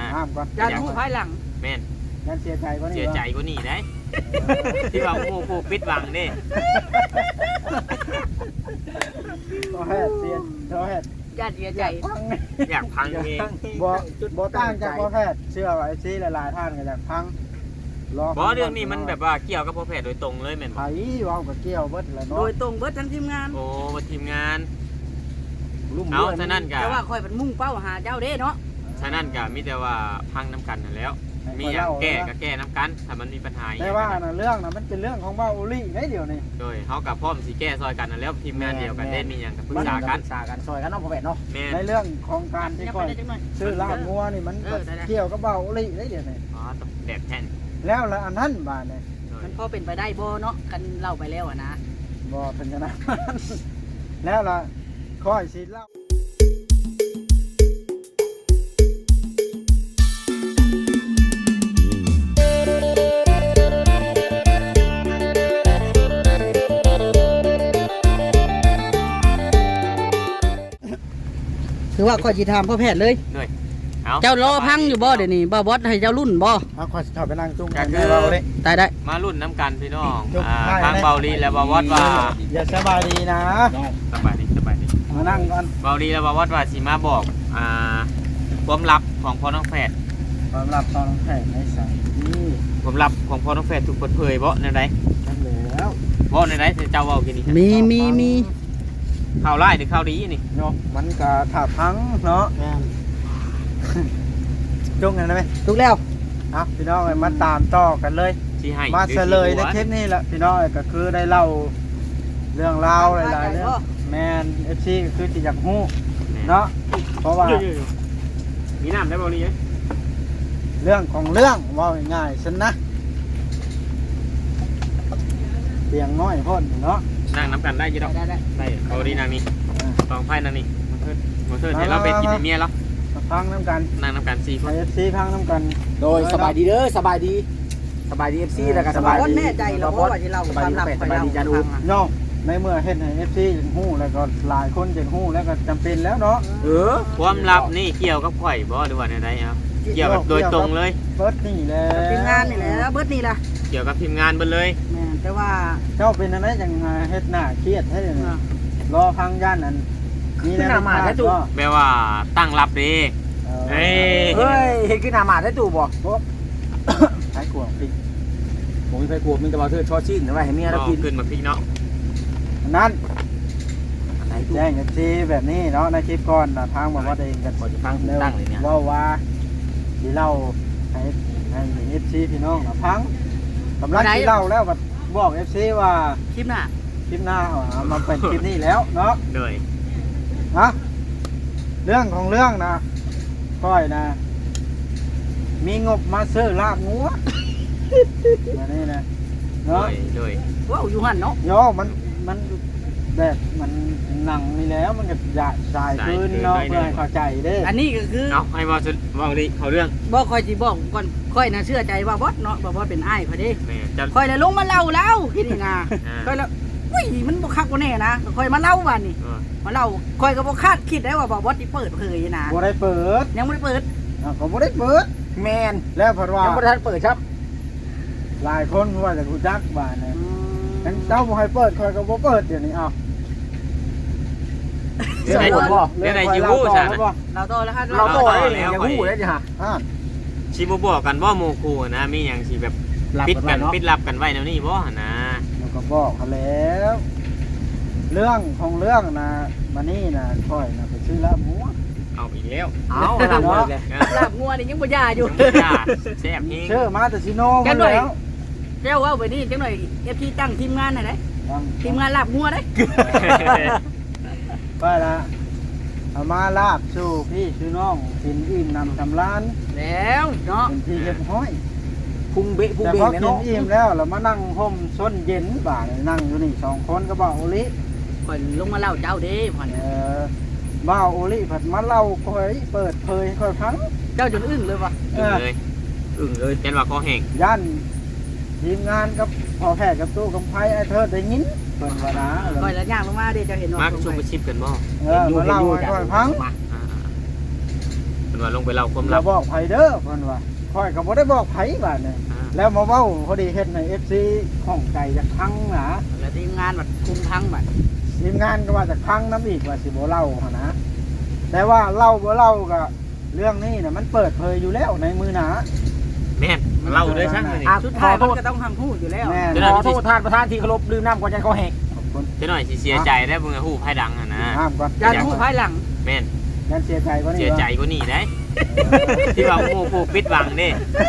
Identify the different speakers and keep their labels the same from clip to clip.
Speaker 1: ห้ามก่อน
Speaker 2: ยันหูภายหลัง
Speaker 3: แม่น
Speaker 1: ยันเสียใจกว่านี้
Speaker 3: เสียใจกว่านี้ได้ที่ว่าหมู่ผู้ปิดหวังนี่
Speaker 1: ก็แฮดเสียก็แฮด
Speaker 2: ญาติเสียใจ
Speaker 1: พัง
Speaker 3: อยากพังเอง
Speaker 1: บ่ต่างจากพ่อแพทย์เชื่อว่าไอ้ซีหลายๆท่านก็อยากพัง
Speaker 3: บ่เรื่องนี้มันแบบว่าเกี่ยวกับพ่อแพทย์โดยตรงเลยแม่น
Speaker 1: ไผเว้าก็เกี่ยวเบิดแหละ
Speaker 2: โด
Speaker 1: เนาะ
Speaker 2: ยตรงเบิดทั้งทีมงาน
Speaker 3: โอ้ว่าทีมงาน
Speaker 1: ลุ่ม
Speaker 3: เอา
Speaker 1: ด้วย
Speaker 3: ฉะนั้นก็
Speaker 2: แต่ว่าคอยเป็นมุ่งเป้าหาเจ้าเด้เนาะ
Speaker 3: ฉะนั้นก็มีแต่ว่าพังน้ำกันนั่นแล้ว มีอย่างแก้ก็แก้น้ำกันถ้ามันมีปัญหา
Speaker 1: แต่ว่าน่ะเรื่องน่ะมันเป็นเรื่องของเว้าอุลี่ได้เดี๋ยวนี้
Speaker 3: โดยเฮากับพร้อมสิแก้ซอยกันนั่นแล้วทีมงานเดียวกันได้มีหยังก็ปรึกษากัน
Speaker 4: ซอยกันเนาะพ่อแม่เนาะ
Speaker 3: แม่น
Speaker 1: ในเรื่องของการที่
Speaker 2: ยัง
Speaker 1: ก่
Speaker 2: ไป
Speaker 1: อย
Speaker 2: ได้จังหน่อย
Speaker 1: ซื้อลาบงัวนี่มัน
Speaker 2: ได้
Speaker 1: เกี่ยวกับเว้าอุลี่ได้เดี๋ยวนี้
Speaker 3: อ๋อต้องแดกแท่น
Speaker 1: แล้วละอันนั้นบาดนี่
Speaker 3: โดย
Speaker 2: มันพอเป็นไปได้บ่เนาะกันเล่าไปแล้วอะนะ
Speaker 1: บ่เป็นจังนั้น แล้วล่ะค่อยสิเล่า
Speaker 2: คือว่าคอยสิถามพ่อแพทย์เลย
Speaker 3: เอา
Speaker 2: เจ้ารอพังอยู่บ่เดี๋ยวนี้บ่บอสให้เจ้ารุ่นบ่
Speaker 1: เอาค่อยสิเข้าไปนั่งจุ้ง
Speaker 3: ก็
Speaker 1: กัน
Speaker 3: คือ
Speaker 1: เว้าอุลี่
Speaker 2: ตายได้
Speaker 3: มารุ่นน้ำกันพี่น้อง
Speaker 1: จบ
Speaker 3: ทางเบาลีและบาวอดว่า
Speaker 1: อย่าสบายดีนะ
Speaker 3: สบายดีสบายดี
Speaker 1: มานั่งก่อน
Speaker 3: เบาลีและบาวอดว่าสิมาบอกความลับของพ่อน้องแฝด
Speaker 1: สำหรับตอนแข่งในสายนี่
Speaker 3: ความลับของพ่อน้องแฝดถูกเปิดเผยบ่ในใด
Speaker 1: กันแล้ว
Speaker 3: บ่ในใดเจ้าเว้ากินนี่
Speaker 2: มี
Speaker 3: ข่าวร้ายหรือข่าวดีนี่
Speaker 1: เนาะมันก็ถ้าพังเนาะ
Speaker 2: แม่น
Speaker 1: จุ้งกันได้ไหม
Speaker 2: ถูกแล้ว
Speaker 1: เอาพี่น้องมาตามต่อกันเลย
Speaker 3: สิให้
Speaker 1: มา
Speaker 3: หรือ
Speaker 1: เฉ
Speaker 3: สิ
Speaker 1: ลยใน
Speaker 3: หัว
Speaker 1: คลิปนี้แหละพี่น้องก็คือได้เล่าเรื่องราวหลายๆเรื่องแมนเอฟซีก็คือจิอยากฮู้เนาะเพราะว่า
Speaker 3: มีน้ำได้เบาลีไหม
Speaker 1: เรื่องของเรื่องว่าง่ายๆฉันนะเสียงน้อยพ่นเนาะ
Speaker 3: นั่งน้ำกันได้อยี่ดอก
Speaker 2: ได้
Speaker 3: ได้เบาลีนางนี่ตองไพ่นางนี่มาเถิดให้เราเป็นกินเมียแล้ว
Speaker 1: มาพังน้ำกัน
Speaker 3: นั่งน้ำกัน4 ค
Speaker 1: ไอน เอฟซีพังน้ำกัน
Speaker 4: โดยสบายดีเด้อสบายดีเอฟซีแล้วก็สบาย
Speaker 2: บอส
Speaker 4: ดี
Speaker 2: แน่ใจแล้วว่าที่เรา
Speaker 4: สบายดี
Speaker 2: ลับ
Speaker 4: สบายดีจ้าดู
Speaker 1: เนาะในเมื่อเห็นให้เอฟซีฮู้แล้วก็หลายคนจะฮู้แล้วก็จำเป็นแล้วเนาะ
Speaker 3: ความลับนี่เกี่ยวกับข่อยบ่หรือว่าในใดครับเกี่ยวกับโดยตรงเลย
Speaker 1: เบิร์ดนี่แหละ
Speaker 2: ทีมงานนี่แหละเบิดนี่ล่ะ
Speaker 3: เกี่ยวกับทีมงานเบิดเลย
Speaker 2: แม่นแต่ว่า
Speaker 1: เจ้าเป็นอะไรจังเฮ็ดหน้าเครียดให้เลยนะรอพังย่านนั้นมีแนวทางก็
Speaker 3: แปลว่าตั้งรับดี เอ้ย
Speaker 4: เฮ้ยเห็นขึ้นหน้าหมาได้ตู่บ่
Speaker 1: ใช้กวงปิด
Speaker 4: ผมมีไฟกลัวมีแต่ว่าเธอชอชิ้นไว้ให้เมียแล้วกิน
Speaker 3: ขึ้นมาพี่เนาะ
Speaker 1: นั้น
Speaker 4: ไหนตู่
Speaker 1: แจ้งกับซีแบบนี้เนาะในคลิปก่อนนะทางบอกว่าเองกัน
Speaker 4: ขอจะฟังตั้งเลยเนี่ย
Speaker 1: ว่าที่เล่าให้เอฟซีพี่น้องนะพังกำลังที่เล่าแล้วบอกเอฟซีว่า
Speaker 2: คลิปหน้า
Speaker 1: คลิปหน้าเอามาเป็นคลิปนี้แล้วเนาะ
Speaker 3: เลย
Speaker 1: นะเรื่องของเรื่องนะก้อยนะ มีงบมาซื้อลาบงัวมานี่นะ
Speaker 3: เล
Speaker 1: เนาะ
Speaker 3: ยเลย
Speaker 2: ว้าวอยู่หั่นเนาะ
Speaker 1: โยมันแบบมันหนังนี่แล้วมันก็สายคืนเนาะเพื่อให้เข้าใจเด้
Speaker 2: อันนี้ก็คือ
Speaker 3: เอาให้ว่าดีเขาเรื่อง
Speaker 2: บ่ค่อยสิบอกก่อนค่อยน่ะเชื่อใจว่าบอสเนาะว่าบอสเป็นอ้ายพอดี
Speaker 3: แม่จะ
Speaker 2: ค่อยเลยลงมาเล่าแล้วคิดนี่นะค่อยแล้วอุ้ยมันบ่คักบ่แน่นะค่อยมาเล่าวันนี้มาเล่าค่อยก็บ่คาดคิดได้ว่าบอสสิเปิดเผยนะ
Speaker 1: บ่ได้เปิด
Speaker 2: ยังบ่ได้เปิด
Speaker 1: ก็บ่ได้เปิด
Speaker 4: แมน
Speaker 1: แล้วเพราะว่า
Speaker 4: ยังไม่ทันเปิดครับ
Speaker 1: หลายคนว่าจะรู้จักบ้านเนี่ยงั้นเจ้าบ่ให้เปิดคอยก็บ่เปิดเดี๋ยวนี้เอา
Speaker 3: เรื่องไหนเรื่องไหนจิวูใช่ไหม
Speaker 2: เราโตแล้วครับ
Speaker 4: เราโต
Speaker 3: แล้
Speaker 4: แล้ว
Speaker 3: ว
Speaker 4: อย่าหู้เลยจ้ะ
Speaker 3: ชิบบอกกันว่าโมคูนะมีอย่างสิแบบปิดกันปิดลับกันไว้แนวนี้บ่นะ
Speaker 1: เราก็บอกเขาแล้ว เรื่องของเรื่องนะมานี่นะค่อยนะไปซื้อลาบหมู
Speaker 3: เอาอีกแล้ว
Speaker 4: เอาทำเลย
Speaker 2: ลาบงัวนี่ยังบ่ยาอยู่
Speaker 3: แซ่บเอง
Speaker 1: เชื่อมาแต่ชิโน่มาแล้ว
Speaker 2: เจ้าว่าไปนี่จังหน่อย FT ตั้งทีมงานหน่อยได้ทีมงานลาบงัวได้
Speaker 1: ไปละเอามาลาบสู่พี่สู่น้องกินอิ่มนำทำร้าน
Speaker 2: แล้วเนาะ
Speaker 1: เป็นที่เรียบร้อย
Speaker 4: พุงเบะพุง
Speaker 1: แต่
Speaker 4: เบะ
Speaker 1: พอ
Speaker 4: เนี่ย
Speaker 1: กิน
Speaker 4: เนาะ
Speaker 1: อิ่มแล้วเรามานั่งห่มส้นเย็นบ่าเลยนั่งอยู่นี่2 คนก็บ่าวโอลิ
Speaker 2: ค่อยลงมาเล่าเจ้าเด้พ่อน
Speaker 1: บ่าวโอลิผัดมาเล่าค่อยเปิดเผยค่อยพัง
Speaker 2: เจ้าจนอึ้งเลยว่ะ
Speaker 3: อึ้งเลยอึ้งเลยเจนว่าคอแห้ง
Speaker 1: ย่านทีมงานกับพอแพทย์กับตู้กับไพ่ไอ้เธอได้ยินเปิดว่านะ
Speaker 2: ค่อยแล้วย่างลงมาเด้เจ้าเห็นว่า
Speaker 3: มาชุมชิปกันบ่
Speaker 1: มาเล่าให้ค่อยพัง
Speaker 3: มว่าลงไปเล่าความ
Speaker 1: เรา
Speaker 3: ลับ
Speaker 1: บอกไผเด้อเพิ่นว่าค่อยก็บ่ได้บอกไผบาดนี่แล้วมาเว้าพอดีเฮ็ดให้ FC ข้องใจจากพังหนา
Speaker 2: แล้วทีมงานบัดคุมทั้งบัด
Speaker 1: ทีมงานก็ว่าจากพังน้ำอีกว่าสิบ่เล่าหั่นนะแต่ว่าเล่าบ่เล่าก็เรื่องนี้น่ะมันเปิดเผยอยู่แล้วในมือหนา
Speaker 3: แม่นเล่าด้วยช่างเลย
Speaker 2: สุดท้ายมันก็ต้องทำพูดอยู่แล้ว
Speaker 1: แม่
Speaker 4: ขอโทษท่านประธานที่เคารพดื่มน้ำก่อนใจเขาแหก
Speaker 1: ขอบคุณ
Speaker 3: จะหน่อยสิเสียใจได้เบิ่งฮู้ไผดังอ่ะนะ
Speaker 1: ห้ามก่อน
Speaker 2: อย่าดูภายหลัง
Speaker 3: แม่น
Speaker 1: ยันเสียใจกว่านี้
Speaker 3: เสียใจกว่านี้ได้ที่ว่าหมู่ผู้ปิดบังเด้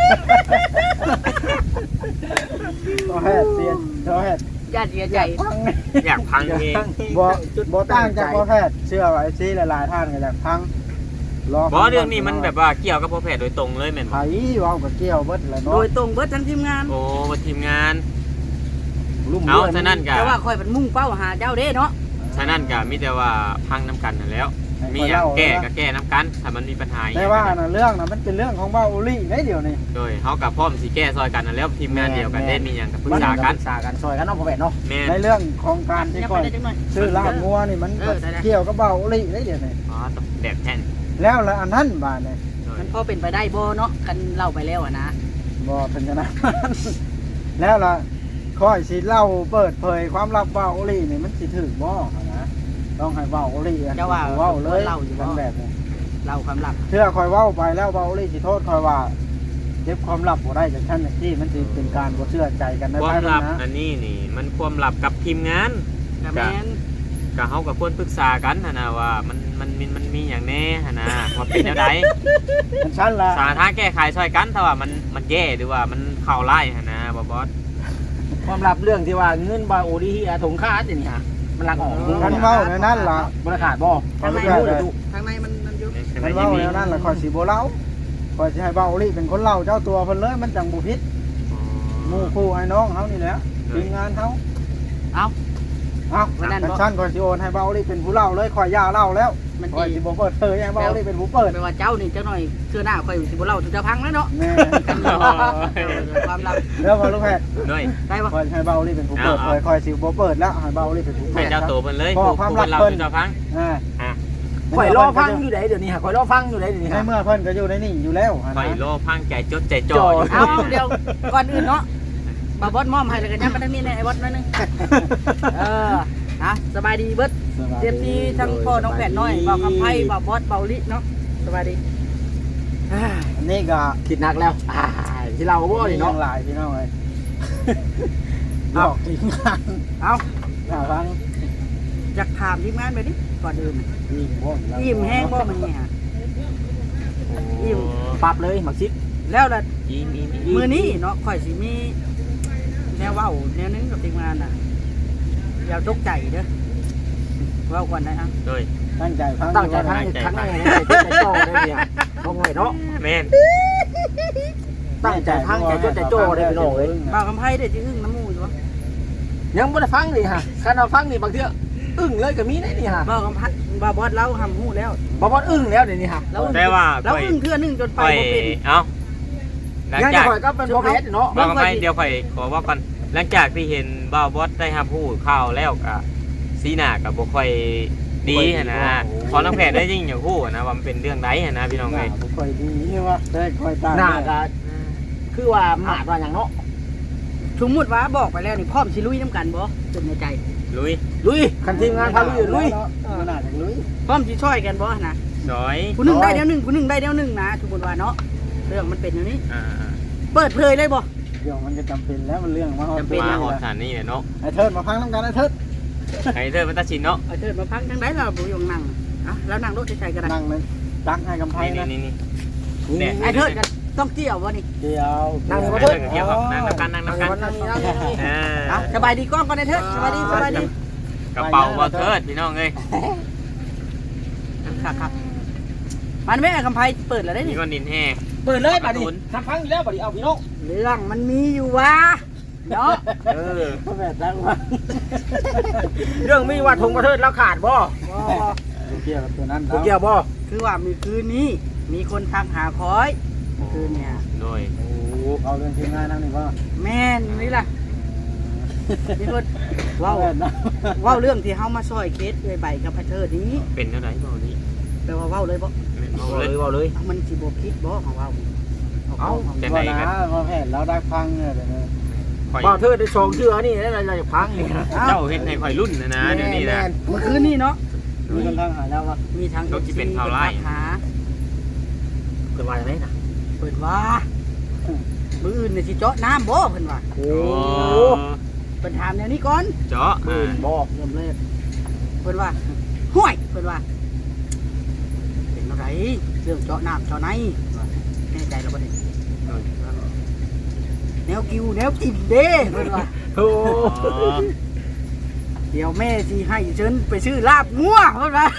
Speaker 1: ก็แฮดเสียก็แฮด
Speaker 2: อย่าเสียใจ
Speaker 1: พัง
Speaker 3: อยากพังเอง
Speaker 1: บ่ต่างจากพ่อแพทย์เชื่อว่า FC หลายๆท่านก็อยากพัง
Speaker 3: บ่เรื่องนี้มันแบบว่าเกี่ยวกับพ่อแพทย์โดยตรงเลยแม่น
Speaker 1: ไผ
Speaker 3: บ่
Speaker 1: เว้าก็เกี่ยวเบิดแหละ
Speaker 2: โด
Speaker 1: เนาะ
Speaker 2: ยตรงเบิดทั้งทีมงาน
Speaker 3: โอ้บ่ทีมงาน
Speaker 1: ลุ่ม
Speaker 3: เอา
Speaker 1: ด้วย
Speaker 3: ฉะนั้นก็
Speaker 2: แต่ว่าคอยเป็นมุ่งเป้าหาเจ้าเด้เนาะ
Speaker 3: ฉะนั้นก็มีแต่ว่าพังน้ำกันนั่นแล้ว มีอย่างแก้ก็แก้น้ำกันถ้ามันมีปัญหาอย่าง
Speaker 1: แต่ว่าน่ะเรื่องน่ะมันเป็นเรื่องของเว้าอุลี่ได้เดี๋ยวนี้
Speaker 3: โดยเฮากับพร้อมสิแก้ซอยกันนั่นแล้วทีมงานเดียวกันได้มีหยังก็ปรึกษากัน
Speaker 4: ปรึกษากันซอยกันเน้องพ่อแม่เนาะ
Speaker 3: แม่น
Speaker 1: ในเรื่องของการที่
Speaker 2: ยัง
Speaker 1: ก่อ
Speaker 2: ไป
Speaker 1: น
Speaker 2: ได้จังหน่อย
Speaker 1: ซื้อลาบงัวนี่มันเกี่ยวกับเว้าอุลี่ได้เดี๋ยวนี้
Speaker 3: อ๋อต้องแบบแท่น
Speaker 1: แล้วละอันนั้นบาดนี่
Speaker 3: โดย
Speaker 2: มันพอเป็นไปได้บ่เนาะกันเล่าไปแล้วอะนะ
Speaker 1: บ่เป็นจังนั้น แล้วล่ะค่อยสิเล่าเปิดเผยความลับเว้าอุลี่นี่มันสิถูกบ่นะต้องให้เว้าอุลี่อะเว้าเลยกันแบบนี้
Speaker 2: เล่าความลับ
Speaker 1: เชื่อคอยเว้าไปแล้วเว้าเลยสิโทษคอยว่าเก็บความลับบ่ได้จากท่านอย่างที่มันสิเป็นการบ่เชื่อใจกันใน
Speaker 3: ความ
Speaker 1: ภายหลั
Speaker 3: ลั
Speaker 1: ง
Speaker 3: บ
Speaker 1: นะ
Speaker 3: อันนี้นี่มันความลับกับทีมงาน
Speaker 2: แต่แม่น
Speaker 3: ก็เฮากับควรปรึกษากันหั่นนะว่ามันมีหยังแน่หั่นนะว่าเป็นแนวใด
Speaker 1: มันชั้นละ
Speaker 3: สาทางแก้ไขช่วยกันถ้าว่ามันแย่หรือว่ามันเข้าไล่หั่นนะบ่บอส
Speaker 4: ความลับเรื่องที่ว่าเงินบาโอดีที่ถงค่าอันนี้ฮะมันลักออก
Speaker 1: มันเว้าในนั้นล่ะ
Speaker 4: บริขาดบ่
Speaker 2: ทางใน
Speaker 1: เอาลูก
Speaker 2: ทางในมันอยู่
Speaker 1: มันเว้าในนั้นล่ะคอยสิบ่เล่าคอยสิให้เว้าลี่เป็นคนเล่าเจ้าตัวเพิ่นเลยมันจังบ่ผิดหมู่คู่ไอ้น้องเฮานี่แหละทีมงานเฮา
Speaker 2: เอา
Speaker 1: เอ้า
Speaker 2: วันนั้นบ่
Speaker 1: ชั้นคอยสิโอนให้เว้าลี่เป็นผู้เล่าเลยคอยย่าเล่าแล้ว
Speaker 2: มัน
Speaker 1: คอย
Speaker 2: ดี
Speaker 1: สิบ่เปิดเผยให้เว้าลี่เป็นผู้เปิด
Speaker 2: แปลว่าเจ้านี่เจ้าหน่อยเชื่อหน้าคอยสิบ่เล่าถึงจะพังแล้วเนาะ
Speaker 1: แม่
Speaker 2: กันความลับ
Speaker 1: แล้วพอลูกแพทย์
Speaker 3: ด้วย
Speaker 2: ได้ปะ
Speaker 1: คอยให้เว้าลี่เป็นผู้เปิดคอยสิบ่เปิดแล้วให้เว้าลี่เป็นผู้เปิ
Speaker 3: ให้
Speaker 1: ด
Speaker 3: เจ้าตัวเพิ่นเลย
Speaker 1: บอก
Speaker 3: ผู้
Speaker 1: ความลับ
Speaker 3: เรา
Speaker 1: เพิ่น
Speaker 3: เจ้าพัง
Speaker 1: อ่า
Speaker 3: อ่ะ
Speaker 4: ข่อยรอฟังอยู่ไหนเดี๋ยวนี้ฮะข่อยรอฟังอยู่ไหนเดี๋ยวนี้
Speaker 1: ใน
Speaker 4: ฮะ
Speaker 1: เมื่อเพิ่นก็อยู่ในนี่อยู่แล้ว
Speaker 3: ข่อยรอพังใจจดใจจ่ออยู่
Speaker 2: เอาเดี๋ยวก่อนอื่นเนาะบาบอสมอมให้แล้วกันยังไปทางนี้แน่ไอ้บอสหน่อยนึงสบายดีเบิดเตรียมที่ทั้งพ่อน้องแผนน้อยเบาคำไพ่เบาบอสเบาลิเนาะสบายดี
Speaker 1: อันนี้ก็
Speaker 4: คิดหนักแล้วที่เราบ่นี่
Speaker 1: น้อ
Speaker 4: เนาะ
Speaker 1: งหลายพี่น้องเลยหลอกทีมงาน
Speaker 2: เอา
Speaker 1: อย่าฟัง
Speaker 2: อยากถามทีมงานไปดิก่อนอื่น
Speaker 1: อิ่มบ่
Speaker 2: อิ่มแห้งบ่มันเนี่ยอิ่ม
Speaker 4: ปรับเลยหมักชิด
Speaker 2: แล้วล่ะ
Speaker 3: อิ่ม
Speaker 2: มือนี้เนาะข่อยสิมีแนวเว้าแนวนึงกับทีมงานน่ะอย่าตกใจเด้อเว้าก่อนนะ
Speaker 3: ด้วย
Speaker 1: ตั้งใจฟัง
Speaker 4: ตั้งใจทั้งทั้งในใจโจ้ได้เนี่ยบ่ง่อยเนาะ
Speaker 3: แม่น
Speaker 4: ตั้งใจทั้งใจจดใจโจ้ได้พี่น้องเอ้ย
Speaker 2: เบาคำไพ่ได้ที่อึ้งน้ำมูอยู่วะ
Speaker 4: ยังบ่ได้ฟังนี่ฮะคันเราฟังนี่บางเทื่ออึ้งเลยก็มีได้นี่ฮะ
Speaker 2: เบาคำไพ่บาบอสเล่าทำหู้แล้ว
Speaker 4: บ่บ่อึ้งแล้วเดี๋ยวนี้ฮะ
Speaker 3: แต่ว่า
Speaker 2: แล้วอึ้งเทื่อนึงจนไป
Speaker 3: ข่อย
Speaker 2: บ่เป็น
Speaker 3: เอ้าหลัง
Speaker 4: ยัง
Speaker 3: จาก
Speaker 4: ข่อยก็เป็นบ่แพ้เนาะ
Speaker 3: ว่าไปเดี๋ยวข่อยขอว่าก่อนหลังจากที่เห็นบ่าวบอสได้รับผู้ข่าวแล้วก็สีหน้าก็บ่ค่อยดีหั้นนะขอน้องแพทย์ได้ยิ่งอย่างฮู้นะว่ามันเป็นเรื่องใดหั้นนะพี่น้องเอ้ย
Speaker 1: บ่ค่อยดีใช่ป่ะได้ค่อยตาย
Speaker 4: หน้าก็คือว่าหมาดว่าหยังเนาะ
Speaker 2: สมมุติว่าบอกไปแล้วนี่พร้อมสิลุยน้ำกันบ่ตึงในใจ
Speaker 3: ลุย
Speaker 4: ลุยคันทีมงานพาลุยลุย
Speaker 1: มันน่าจะลุย
Speaker 2: พร้อมสิช่วยกันบ่นะ
Speaker 3: ซอย
Speaker 2: ผู้หนึงได้เดี๋ยวหนึงผู้หนึงได้เดี๋ยวหนึงนะสมมุติว่าเนาะเรื่องมันเป็นอย่างนี้
Speaker 3: อ่า
Speaker 2: เปิดเผยเลยบ่
Speaker 1: เดี๋ยวมันจะจำเป็นแล้วมันเรื่องมา
Speaker 2: จำเป็น
Speaker 3: มาฮอดฐานนี่แหละเนาะ
Speaker 1: ไอ้เทิดมาพังน้ำกันไอ้เทิด
Speaker 3: ไอ้เธอมันตัดสินเนาะ
Speaker 2: เอาเถิดมาพักทางใดเราบ่ยงนั่งอ่ะแล้วนั่งรถใช้ๆกันนะ
Speaker 1: นั่งเลยจักให้กำไพ
Speaker 3: นี่
Speaker 1: นะ
Speaker 3: นี่
Speaker 2: ไอ้เถิดกันต้องเกี่ยวบ่นี่
Speaker 1: เดี๋ยว
Speaker 3: นั่งเกี่ยวกับนั่งน้ำกันนั่งน้ำกัน
Speaker 4: นั่งนี่นั่งนี่
Speaker 2: อ่ะสบายดีกล้องก่อนไอ้เถิดสบายดีสบายดี
Speaker 3: กระเป๋าบ่เทิดพี่น้องเอ้ย
Speaker 2: ครับมันไม่ไอ้คำไพ่เปิดแล้วได้
Speaker 3: นี่
Speaker 2: นี่
Speaker 3: ก็นินแห้ง
Speaker 4: เปิดเลยบัดนี้ทำฟังอยู่แล้วบัดนี้เอาพี่น้อง
Speaker 2: เรื่องมันมีอยู่วะเนาะ
Speaker 1: ก็แบบตั้งว่า
Speaker 4: เรื่องมีว่าทงประเทศแล้วขาดบ่
Speaker 1: เกี่ยวกับตัวนั้น
Speaker 4: บ่เกี่ยวบ่
Speaker 2: คือว่ามีคืนนี้มีคนทำหาคอย คืนเนี่ย
Speaker 3: โดย
Speaker 1: โอ้เอาเรื่องทีมงานนั่งนี่ว่า
Speaker 2: แม่นนี่ล่ะพี่เพิ่น
Speaker 1: ว่า
Speaker 2: เว้า
Speaker 1: แบบนะ
Speaker 2: เว้าเรื่องที่เฮามาซอยเคสด้วยใบกับไอ้เถิดนี้
Speaker 3: เป็นเท่าไหร่บ่นี้
Speaker 2: แปลว่าเว้าเลยบ่
Speaker 3: แม่น
Speaker 4: เว้าเลย
Speaker 2: มันสิบ่ผิดบ่ของเรา
Speaker 4: เอ้า
Speaker 3: จัง
Speaker 1: ว่า
Speaker 3: ได๋
Speaker 1: นะ
Speaker 3: กัน
Speaker 1: ว่าแผ่นเราได้พังเนี่ยเดี๋ยวนี้
Speaker 3: ข่อย
Speaker 4: บ่เธอได้2เชื่อนี่ได้เราจะพังนี่
Speaker 3: เจ้าเฮ็ดให้ข่อยรุ่นนะเดี๋ยวนี้นะ
Speaker 2: เมื่อคืนนี่เนาะ
Speaker 1: มีคนทางหาแล้วว่า
Speaker 2: มีทาง
Speaker 3: รถที่เป็นข่าวร้าย
Speaker 2: หา
Speaker 4: เกิดว่าจังได๋น่ะ
Speaker 2: เพิ่นว่ามื้ออื่นน่ะสิเจาะน้ำบ่เพิ่นว่า
Speaker 4: โอ้
Speaker 2: เพิ่นถามแนวนี้ก่อน
Speaker 3: เจาะ
Speaker 4: ปืนบ่
Speaker 2: เริ่มเลยเพิ่นว่าห้วยเพิ่นว่าเป็นอะไรเรื่องเจาะน้ำเจาะไหนว่าแน่ใจแล้วบ่ได้แนวกิวแนวกินเด้เพิ่นว่า
Speaker 4: โอ้
Speaker 2: เดี๋ยวแม่สิให้เชิญไปซื้อลาบงัวเพิ่นว่า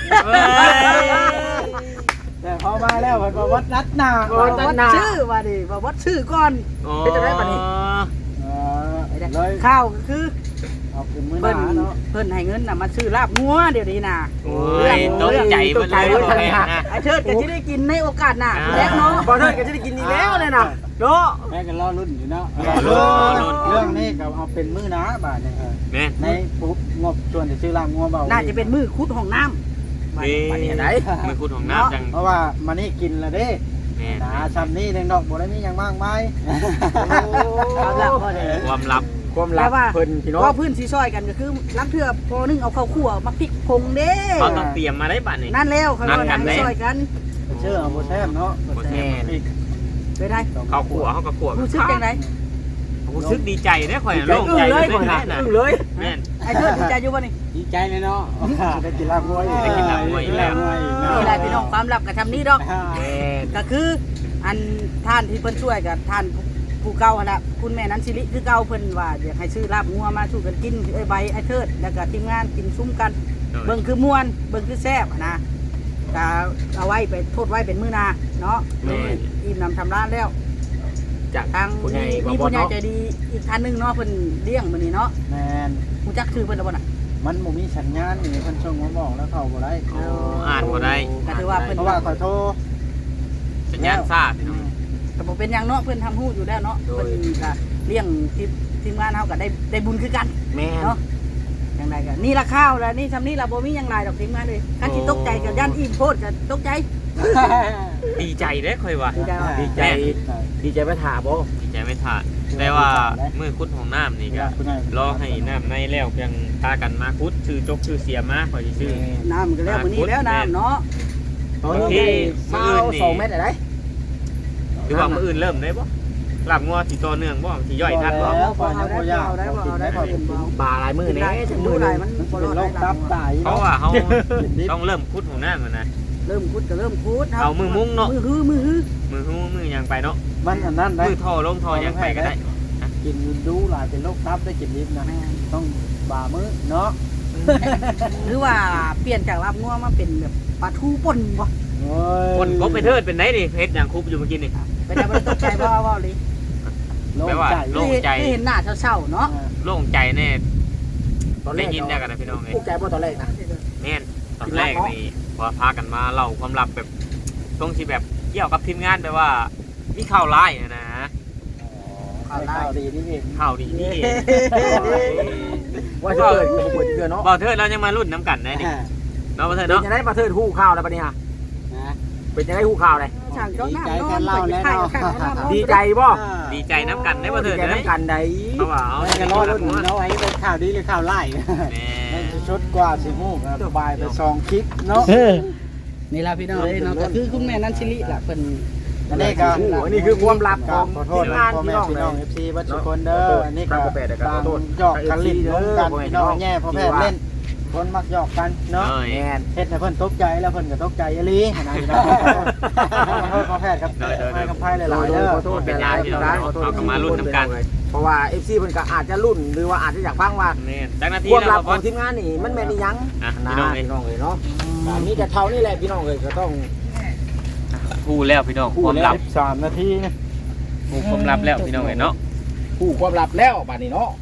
Speaker 1: แต่พอมาแล้วมันมาวัดนัดหนา
Speaker 2: ว่าวัดชื่อว่าดิว่าวัดชื่อก่อน
Speaker 3: เป็นจังได๋บัดนี้
Speaker 1: เลย
Speaker 2: ข้าวก็คือ
Speaker 1: เอาเป็นมือห
Speaker 2: เพิ่น
Speaker 1: นาเนาะ
Speaker 2: เพิ่นให้เงินน่ะมาซื้อลาบงัวเดี๋ยวนี้น่ะ
Speaker 3: โอ้ยตกใจเบิดเลยบ่แม่นะ
Speaker 2: ไอ้เชิดก็สิได้กินในโอกาสหน้าแล้วเนาะ
Speaker 4: บ่เธอก็จะได้กินอีกแล้วเลยนะโด
Speaker 1: แม่กันรอรุ่นอยู่เนาะ
Speaker 3: รุ่น
Speaker 1: เรื่องนี้ก็เอาเป็นมือหนาบาทเนี่ย
Speaker 3: แม่
Speaker 1: ในปุ๊บงบส่วนที่ซื้อลามงัวเบา
Speaker 2: น่าจะเป็นมือคุดห้องน้ำ
Speaker 3: นี่
Speaker 4: บัดนี้ไหน
Speaker 3: มือคุณของน้ำจัง
Speaker 1: เพราะว่ามันนี่กินแล้วเด้
Speaker 3: แม่
Speaker 1: หนาซ้ำนี่แดงดอกบ่ได้มีอย่างมากมาย
Speaker 2: ความลับพ่อเด้อ
Speaker 3: ความลับ
Speaker 4: ความลับเพิ่นพี่น้อง
Speaker 2: ก็พื้นสีซอยกันก็คือลักเทื่อพอนึงเอาข้าวคั่วมาพริกผงเด้
Speaker 3: เขาต้องเตรียมมาได้บัดนี้
Speaker 2: นั่นแล้วเขา
Speaker 3: นัดกัน
Speaker 2: ก็
Speaker 3: เด้
Speaker 2: ซอยกัน
Speaker 1: เชื่อเอาโบแซมเนาะ
Speaker 3: บ่แซ่บ
Speaker 2: ไปได้
Speaker 3: เขาขัวเขาก็ขัว
Speaker 2: รู้สึกจังได
Speaker 3: รู้สึกดีใจเด้อข่อย
Speaker 4: ใจ
Speaker 3: โล่ง
Speaker 4: อึ้ง
Speaker 3: ใจ
Speaker 4: เลย
Speaker 3: ขึ้น
Speaker 4: นะ
Speaker 3: แน่น่ะ
Speaker 4: อึ้งเลย
Speaker 3: แม่น
Speaker 2: ไอ้เชิดดีใจอยู่บ่นี่
Speaker 1: ดีใจเลยเนาะได้กินลาบงัวอีก
Speaker 3: ได้กินลาบงัวอีกแล้ว
Speaker 2: นี่แหละพี่น้องความลับกับทำนี้ดอก ก็คืออันท่านที่เพิ่นช่วยกับท่านผู้เก่าหั่นล่ะคุณแม่นั้นสิริคือเก่าเพิ่นว่าอยากให้ซื้อลาบงัวมาสู่กันกินไอ้ใบไอ้เทิดแล้วก็ทีมงานกินซุ้มกัน เบิ่งคือม่วนเบิ่งคือแซ่บนะก็เอาไว้ไปโทษไว้เป็นมื้อหน้าเนาะอิ่มนำทำร้านแล้ว
Speaker 4: จาก
Speaker 2: ทาง
Speaker 4: ผู้ใหญ่
Speaker 2: มี
Speaker 4: บ่
Speaker 2: ผู้ใหญ่
Speaker 4: เนาะ
Speaker 2: ใจดีอีกท่านหนึงเนาะเพิ่นเลี้ยงมื้อนี้เนาะ
Speaker 1: แมน
Speaker 2: รู้จักชื่อเพิ่นแล้วบ่น่ะ
Speaker 1: มันบ่มีสัญญาณนี่เพิ่นส่งมาบอกแล้วเข้าบ่ได้
Speaker 3: โอ้อ่านบ่ได้
Speaker 2: ก็ถือว่าเพิ่น
Speaker 1: เพราะว่าขอโทษ
Speaker 3: สัญญาณซ่าพี่น้อง
Speaker 2: ก็บ่เป็นหยังเนาะเพิ่นทำฮู้อยู่แล้วเนาะเพิ่นก็เลี้ยงทีมงานเฮาก็ได้บุญคือกัน
Speaker 4: แม่
Speaker 2: เนาะจังไดก็นี่ละข้าวแล้วนี่ทำนี่ละบ่มีหยังหลายดอกทีมงานเลยคันสิตกใจก็ย่านอิ่มโพดก็ตกใจ
Speaker 3: ดีใจเด้อข่อยว่า
Speaker 2: ดีใจว่า
Speaker 4: ดีใจดีใจไปถาบ่
Speaker 3: ดีใจไม่ขาดแต่ว่ามือคุดของน้ำนี่ก็
Speaker 1: คุณนาย
Speaker 3: รอให้น้ำในแล้วเพียงพากันมาคุดชื่อจกชื่อเสียมาข่อยสิชื่อ
Speaker 2: น้ำก็แล้วมื้อนี้แล้วน้ำเนาะ
Speaker 4: ตอนนี้2เม็ดอะไร
Speaker 3: คือว่ามื้ออื่นเริ่มได้บ่ลาบงัวสิต่อเนื่องบ่สิย่อยทันบ่
Speaker 1: แล้วฝ่ายยังบ่ยาก
Speaker 2: เอาได้พอเป็นบ่
Speaker 4: บาหลายมือ
Speaker 2: ได้
Speaker 4: แน่
Speaker 2: ถึ
Speaker 4: ถึ
Speaker 2: ง
Speaker 4: ง
Speaker 2: มื้
Speaker 4: มื
Speaker 2: อ
Speaker 4: อ
Speaker 2: ใด
Speaker 4: นึง
Speaker 2: มันบ่
Speaker 1: เป็น
Speaker 2: ร
Speaker 1: โร
Speaker 2: อด
Speaker 1: ค
Speaker 2: ได้
Speaker 1: ตับไต
Speaker 3: เพราะว่าเฮาต้องเริ่มคุดของน้ำมันนะ
Speaker 2: เริ่มคุดก็เริ่มคุด
Speaker 3: เอามือมุ้งเนาะ
Speaker 2: มือฮื้อ
Speaker 3: มือหูมือหยังไปเนาะ
Speaker 1: มันอันนั้นได้
Speaker 3: มือท่อลงท่อหยังไปก็ได้
Speaker 1: กินดูหลายเป็นโรคตับได้กินลิฟนะต้องบ่ามื้อเนาะ
Speaker 2: หรือว่าเปลี่ยนจากลาบงัวมาเป็นแบบปลาทูป่นบ่
Speaker 1: โอ้ย
Speaker 3: คนกบไปเทิดเป็นไดนี่เฮ็ดหยังคุบอยู่เมื่อกี้นี่
Speaker 2: ไปได้บ่ได้ตกใจบ่ว่าเลย
Speaker 1: โล่ง
Speaker 3: แปลว่า
Speaker 1: ใจ
Speaker 3: โล่งใจ
Speaker 2: ที่เห็นหน้าเศร้าๆเนาะ
Speaker 3: โล่งใจแน่
Speaker 4: ตอนแร
Speaker 3: ได้
Speaker 4: ก
Speaker 3: ยินได้กันนะพี่น้องเอ้ย
Speaker 4: ผู้ใจบ่ตอนแรกนะ
Speaker 3: แม่นตอนแรกนี่พอพากันมาเล่าความลับแบบตรงที่แบบเกี่ยวกับทีมงานแบบว่ามีข่าวร้ายนะ
Speaker 1: ข่าวดีนี่เอง
Speaker 3: ข่าวดีนี่เอง
Speaker 4: ว่าจะเกิดเป็นคนเกิดเนาะ
Speaker 3: บ่าวเทิดเรายังมารุ่นน้ำกันได้นี่เนาะบ่าวเทิด
Speaker 4: เป็น
Speaker 3: เนาะ
Speaker 4: ยังไงมาเทิดฮู้ข่าวแล้วปะเนี่ยเป็นยังไงฮู้ข่าวเลย
Speaker 2: ช่างเจ้าหน้านอนไปถ่ายข้างนอน
Speaker 4: ดีใจบ่
Speaker 3: ดีใจน้ำกันได้บ่าวเทิด
Speaker 4: ใจ
Speaker 3: เลย
Speaker 4: น้ำกันใด
Speaker 3: เพราะว่าเอา
Speaker 1: ไม่กันรอดรุ่นเนาะไอ้เป็นข่าวดีหรือข่าวไล่
Speaker 3: แม่
Speaker 1: ชุดกว่าสิมูกสบายไปซองคลิปเนาะ
Speaker 2: นี่ล่ะพี่น้องเอ้ยเนาะก็คือคุณแม่นันชิลิล่ะเพิ่น
Speaker 1: อันนี้ก็
Speaker 4: อันนี้คือความลับของ
Speaker 1: ขอโทษ
Speaker 4: ทีม
Speaker 1: นะ
Speaker 4: งาน
Speaker 1: พ่อ
Speaker 4: พี่
Speaker 1: แม่
Speaker 4: น้อง
Speaker 1: พี่
Speaker 4: เล
Speaker 1: น้อง
Speaker 4: ย
Speaker 1: FC บัดทุกคนเด้ออันนี้ก็บางหยอกกันลิ้นลงกันพี่น้องแย่พ่อแม่เล่นคนมักหยอกกันเนาะ
Speaker 3: เอ้ย
Speaker 4: แม่น
Speaker 1: เฮ็ดให้เพิ่นตกใจแล้วเพิ่นก็ตกใจอีหลีนะพี่น้องพ่อแพทย์ครับให้กับไพ่หลายๆเด้อ
Speaker 4: ขอโทษเป็นร้านพี่น้องเอากลับมารุ่นน้ำกันเพราะว่า FC เพิ่นก็อาจจะรุ่นหรือว่าอาจจะอยากฟังว่า
Speaker 3: แม่นจักนาที
Speaker 4: ความ
Speaker 3: แล้
Speaker 4: ลั
Speaker 3: ว
Speaker 4: บข
Speaker 3: บ่
Speaker 4: องทีมงานนี่มันแม่นอีหยัง
Speaker 3: อ่ะ
Speaker 4: นะ
Speaker 3: พี่น้องเอ้ย
Speaker 4: พี่น้องเลยเนาะมีแต่เท่านี้แหละพี่น้องเลยก็ต้อง
Speaker 3: พูดแล้วพี่น้องความลับ
Speaker 1: 13นาทีนะ
Speaker 3: พูดความลับแล้วพี่น้องเอ้ยเนาะ
Speaker 4: ผู้ความลับแล้วบัดนี้เนาะ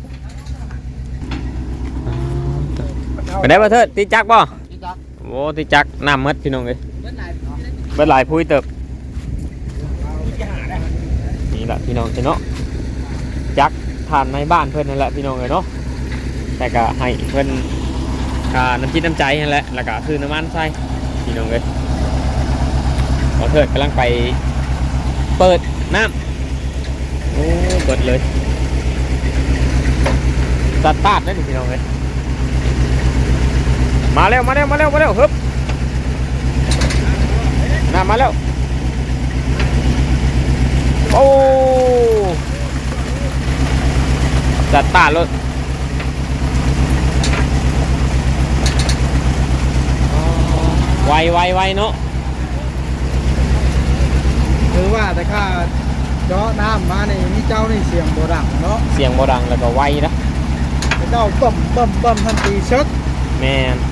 Speaker 3: ไปได้บ่เทิดติจักบ่โอ้ติจักน้ำมดพี่น้องเอ้ยเบิดหลายพุ้ยเติบนี่แหละพี่น้องเนาะจักทานในบ้านเพิ่นนั่นแหละพี่น้องเอ้ยเนาะแต่ก็ให้เพิ่นน้ำจิตน้ำใจนั่นแหละแล้วก็คือน้ำมันใส่พี่น้องเอ้ยบ่เถิดกำลังไปเปิดน้ำโอ้เปิดเลยสตาร์ทได้ดิพี่น้องเลยมาเร็วฮึบน้ำมาแล้วโอ้สตาร์ทรถไวเนาะ
Speaker 1: คือว่าแต่ข้าเจาะน้ำมานี่มีเจ้านี่เสียงโบดังเนาะ
Speaker 3: เสียงบ่ดังแล้วก็ไวนะ
Speaker 1: แต่เจ้าบิ่มทันทีชด
Speaker 3: แม่น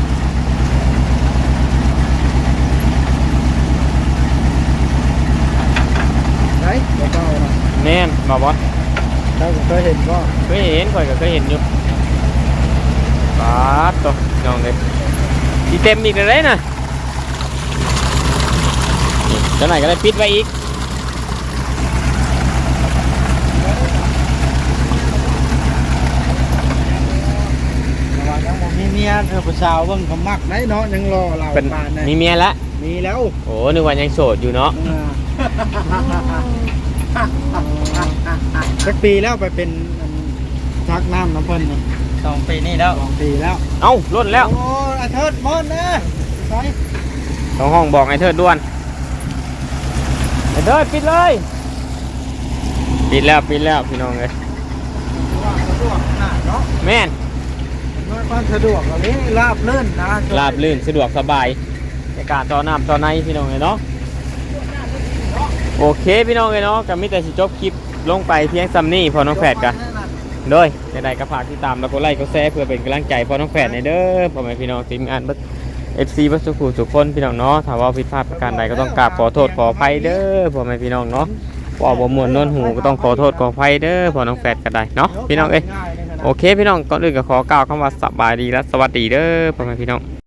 Speaker 1: ไหนเจ้านะ
Speaker 3: แม่นมาบอส
Speaker 1: เจ้าก็เคยเห็นก็
Speaker 3: เคยเห็นข่อยก็เคยเห็นอยู่ปาดตัวน้องเลยทีเต็มอีกเลยนะเจ้าไหนก็ได้ปิดไว้อีก
Speaker 1: ระหว่างยังบ่มีเมียเธอผู้สาวเบิ่งเขามักได้เนาะยังรอเรา
Speaker 3: เป็น
Speaker 1: บ้านได้
Speaker 3: มีเมียแล้ว
Speaker 1: มีแล้ว
Speaker 3: โอ้นึกว่ายังโสดอยู่เนาะ
Speaker 1: สักปีแล้วไปเป็นชักน้ำน้ำเพิ่นนี่
Speaker 2: 2 ปีนี่แล้ว
Speaker 1: 2 ปีแล้ว
Speaker 3: เอ้าล้นแล้ว
Speaker 1: โอ้อาเทิดมอนนะใช่
Speaker 3: ต้องห้องบอกไอ้เทิดด่วนไอ้เทิดปิดเลยปิดแล้วพี่น้องเลย
Speaker 1: ว่าสะดวกขนาดเนาะ
Speaker 3: แม่น
Speaker 1: ด้วยความสะดวกแบบนี้ราบลื่นนะ
Speaker 3: ราบลื่นสะดวกสบายในการต่อน้ำต่อในพี่น้องเลยเนาะโอเคพี่น้องเลยเนาะก็มีแต่สิจบคลิปลงไปเพียงซัมนี่พอน้องแฝดกันโดยใดๆก็ฝากติดตามแล้วก็ไลค์ก็แชร์เพื่อเป็นกำลังใจพอน้องแฝดในเด้อพ่อแม่พี่น้องทีมงานFC บัสสุขุสุขคนพี่น้องเนาะถ้าว่าผิดพลาดประการใดก็ต้องกราบขอโทษขออภัยเด้อพ่อแม่พี่น้องเนาะว่าบ่ม่วนนวลหูก็ต้องขอโทษขออภัยเด้อพ่อน้องแฝดก็ได้เนาะพี่น้องเอ้ยโอเคพี่น้องก่อนอื่นก็ขอกล่าวคำว่าสบายดีและสวัสดีเด้อพ่อแม่พี่น้อง